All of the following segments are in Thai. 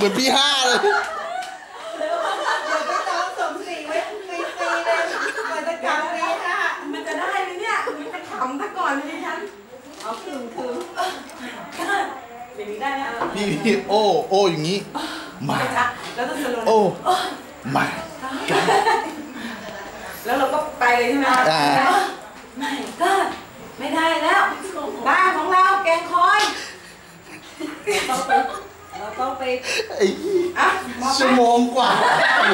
เหมือนพี่ห้าเลยเดี๋ยวไปจองสมศรีไว้ฟรีๆเลยมันจะกลับฟรีค่ะมันจะได้ไหมเนี่ยมันจะขำซะก่อนเลยฉันเอาคืนอย่างนี้ได้นะพี่โอ้อย่างนี้มาแล้วต้องโอ้มาแล้วเราก็ไปเลยใช่ไหมไม่ก็ไม่ได้แล้วบ้านของเราแกงคอยเราต้องไปชั่วโมงกว่า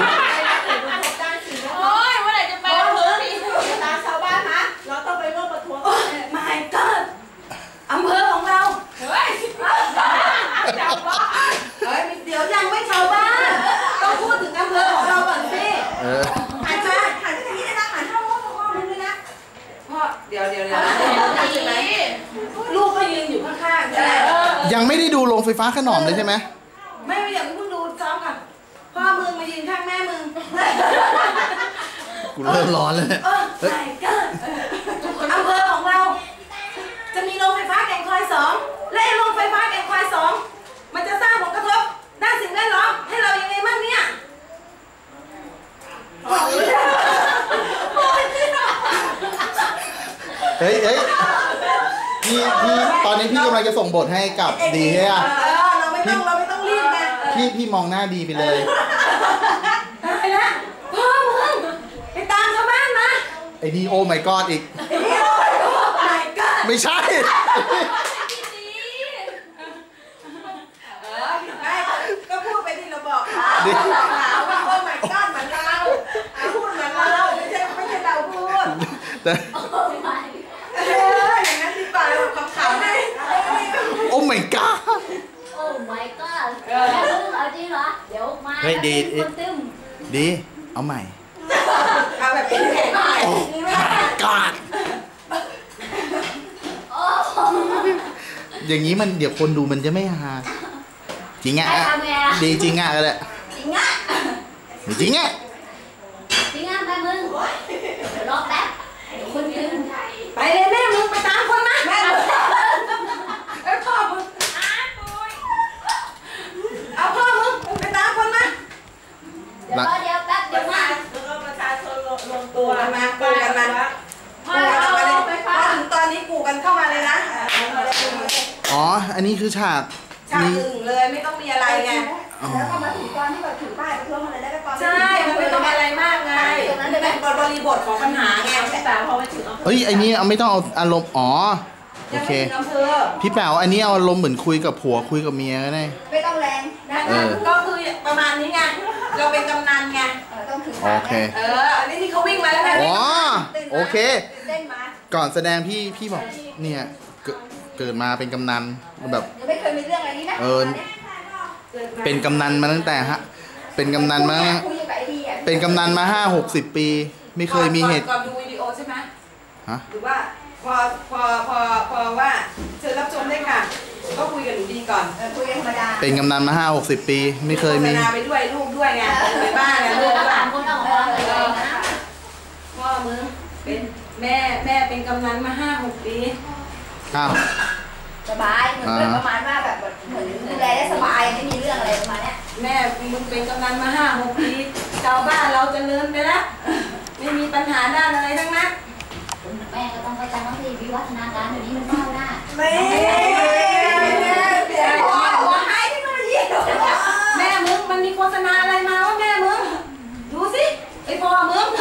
โอ้ยเมื่อไหร่จะไปแล้วตาชาวบ้านฮะเราต้องไปร่วมประท้วงไม่ก็อำเภอของเราเฮ้ยชาวบ้านเฮ้ยเดี๋ยวยังไม่ชาวบ้านต้องพูดถึงอำเภอของเราก่อนสิหันมาหันไปทางนี้นะหันเข้าห้องนึงเลยนะพ่อเดี๋ยวใช่ไหมลูกก็ยืนอยู่ข้างๆใช่ไหมยังไม่ได้ดูโรงไฟฟ้าขนอมเลยใช่ไหมไม่อยากเพิ่งดูซ้อมค่ะพ่อมึงมายืนข้างแม่มึงกูเริ่มร้อนเลยใช่ก็อำเภอของเราจะมีโรงไฟฟ้าแก่งคอย2และโรงไฟฟ้าแก่งคอย2มันจะสร้างผลกระทบด้านสิ่งแวดล้อมให้เรายังไงบ้างเนี่ยเฮ้ยพี่ตอนนี้พี่กำลังจะส่งบทให้กับดีใช่ไหมเราไม่ต้องรีบนะพี่มองหน้าดีไปเลยตายแล้วพ่อมึงไปตามชาวบ้านมาไอ้นี่โอ้ my god อีกไม่ใช่ก็พูดไปที่เราบอกหาว่าโอ้ my god เหมือนเราพูดเหมือนเราไม่ใช่เราพูดแต่อย่างนั้นที่ป่าเราขำๆได้โอ้ my god โอ้ my god เอาจริงเหรอเดี๋ยวมาดีเอาใหม่เอาแบบเป็นแข็งหน่อย god อย่างนี้มันเดี๋ยวคนดูมันจะไม่ฮาจริงอ่ะดีจริงอ่ะก็ได้จริงอ่ะจริงอ่ะแม่มึงรอแป๊บคนตึงไปเลยแม่มึงไปตามคนมาแม่พ่อมึงเอาพ่อมึงไปตามคนมาเดี๋ยวแป๊บเดี๋ยวมาประชาชนรวมตัวมากูกันมาพอถึงตอนนี้กูกันเข้ามาเลยนะอ๋ออันนี้คือฉากอื่นเลยไม่ต้องมีอะไรไงแล้วก็มาถึงตอนที่แบบถือป้ายประท้วงอะไรได้ก็ตอนใช่มันไม่ต้องอะไรมากไงเป็นบริบทของปัญหาไงพี่แป๋วพอไปถึงเฮ้ยไอ้นี่ไม่ต้องเอาอารมณ์โอเคพี่แป๋วอันนี้เอาอารมณ์เหมือนคุยกับผัวคุยกับเมียก็ได้ไม่ต้องแรงนะก็คือประมาณนี้ไงเราเป็นกำนันไงต้องถือโอเคอันนี้ที่เขาวิ่งมาแล้วไงโอเคก่อนแสดงพี่บอกเนี่ยเกิดมาเป็นกำนันแบบไม่เคยมีเรื่องอะไรนี้นะเป็นกำนันมาตั้งแต่เป็นกำนันมาเป็นกำนันมา50-60 ปีไม่เคยมีเหตุก่อนดูวิดีโอใช่ไหมฮะหรือว่าพอว่าเชิญรับชมได้ค่ะก็คุยกันหนูดีก่อนคุยกันธรรมดาเป็นกำนันมา50-60 ปีไม่เคยมีไปด้วยลูกด้วยไงไปบ้านไงลูก 3 คนออกมาเลยนะพ่อมึงเป็นแม่เป็นกำนันมา5-6 ปีสบายเหมือนประมาณว่าแบบเหมือนดูแลได้สบายไม่มีเรื่องอะไรประมาณนี้แม่มึงเป็นกำนันมา5-6 ปีชาวบ้านเราจะเลื่อนไปแล้วไม่มีปัญหาด้านอะไรทั้งนั้นแม่ก็ต้องเข้าใจว่าที่วิวัฒนาการเดี๋ยวนี้มันก้าวหน้าไม่หัวหายเทคโนโลยีแม่มึงมันมีโฆษณาอะไรมาว่าแม่มึงดูสิไอพ่อมึง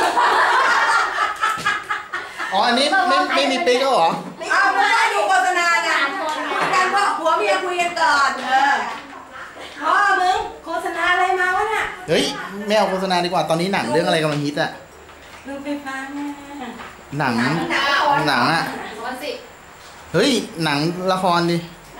อันนี้ไม่มีปิ๊กแล้วเหรอไม่ได้ดูโฆษณาไงการพ่อผัวเมียคุยกันก่อนพ่อมึงโฆษณาอะไรมาวะเนี่ยเฮ้ยไม่เอาโฆษณาดีกว่าตอนนี้หนังเรื่องอะไรกำลังฮิตอะดูไฟฟ้าหนังอะเฮ้ยหนังละครดิ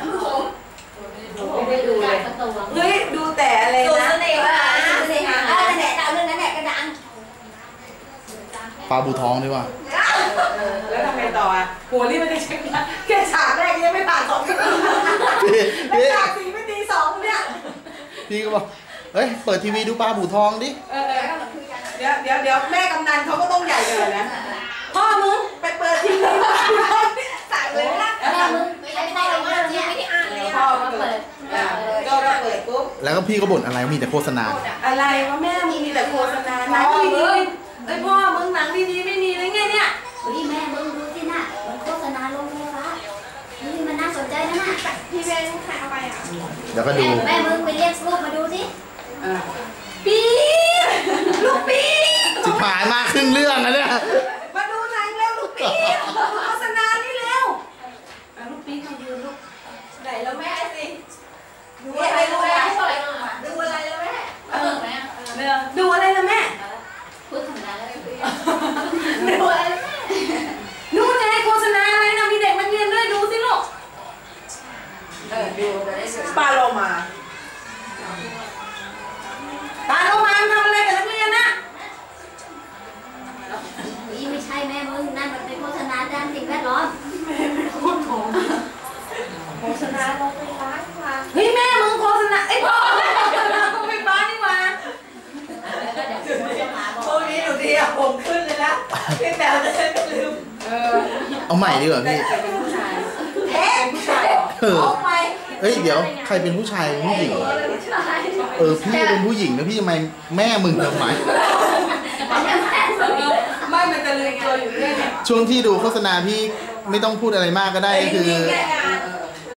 ไม่ได้ดูเลยเฮ้ยดูแต่อะไรนะเสน่ห์นั่นแหละดาวเรื่องนั้นแหละก็ดังปลาบูท้องดีกว่าแล้วทำไงต่ออ่ะโหนี่มันจะเช็คแค่ฉากแรกยังไม่ผ่าน2 แล้วฉาก4ไม่ตี2เนี่ยพี่ก็บอกเฮ้ยเปิดทีวีดูปลาบูท้องดิเดี๋ยวแม่กำนันเขาก็ต้องใหญ่เลยนะพ่อมึงไปเปิดทีวีสั่งเลยนะแม่มึงไม่ได้เราไม่ได้อ่านเลยพ่อมาเปิดก็เปิดปุ๊บแล้วก็พี่ก็บ่นอะไรมีแต่โฆษณาอะไรวะแม่มึงมีแต่โฆษณาหนังดีๆเอ้ยพ่อมึงหนังดีๆไม่มีเลยไงเนี่ยเฮ้ยแม่มึงดูสิน่ะมันโฆษณาโรงไฟฟ้าเฮ้ยมันน่าสนใจนะน่ะพี่เบนใครเอาไปอ่ะเดี๋ยวก็ดูแม่มึงไปเรียกลูกมาดูสิปี๊บลูกปี๊บจิบหายมากครึ่งเรื่องนะเนี่ยมาดูหนังเร็วลูกปี๊บโฆษณานี่เร็วลูกปี๊บมายืนลูกไหนแล้วแม่สิดูอะไรแล้วแม่ดูอะไรแล้วแม่ดูอะไรแล้วแม่พูดถึงนั้นแล้วดูอะไรแล้วแม่นู่นไงโฆษณาอะไรนะมีเด็กมาเรียนด้วยดูสิลูกดูปลาโลมาปลาโลมาทำอะไรกับนักเรียนนะเฮ้ยไม่ใช่แม่มึงนั่นมันเป็นโฆษณาด้านสิ่งแวดล้อมโฆษณาโรงไฟฟ้าค่ะเฮ้ยแม่มึงโฆษณาไอ้พ่อโฆษณาโรงไฟฟ้านี่หว่าพวกนี้หนูดีอะผมขึ้นเลยนะพี่แมวจะได้ไม่ลืมเอาใหม่ดีกว่าพี่เป็นผู้ชายเอ๊ะผู้ชายเอาไปเฮ้ยเดี๋ยวใครเป็นผู้ชายเป็นผู้หญิงพี่เป็นผู้หญิงแล้วพี่ทำไมแม่มึงทำไมไม่มันจะลืมตัวอยู่เรื่อยช่วงที่ดูโฆษณาพี่ไม่ต้องพูดอะไรมากก็ได้ก็คือแก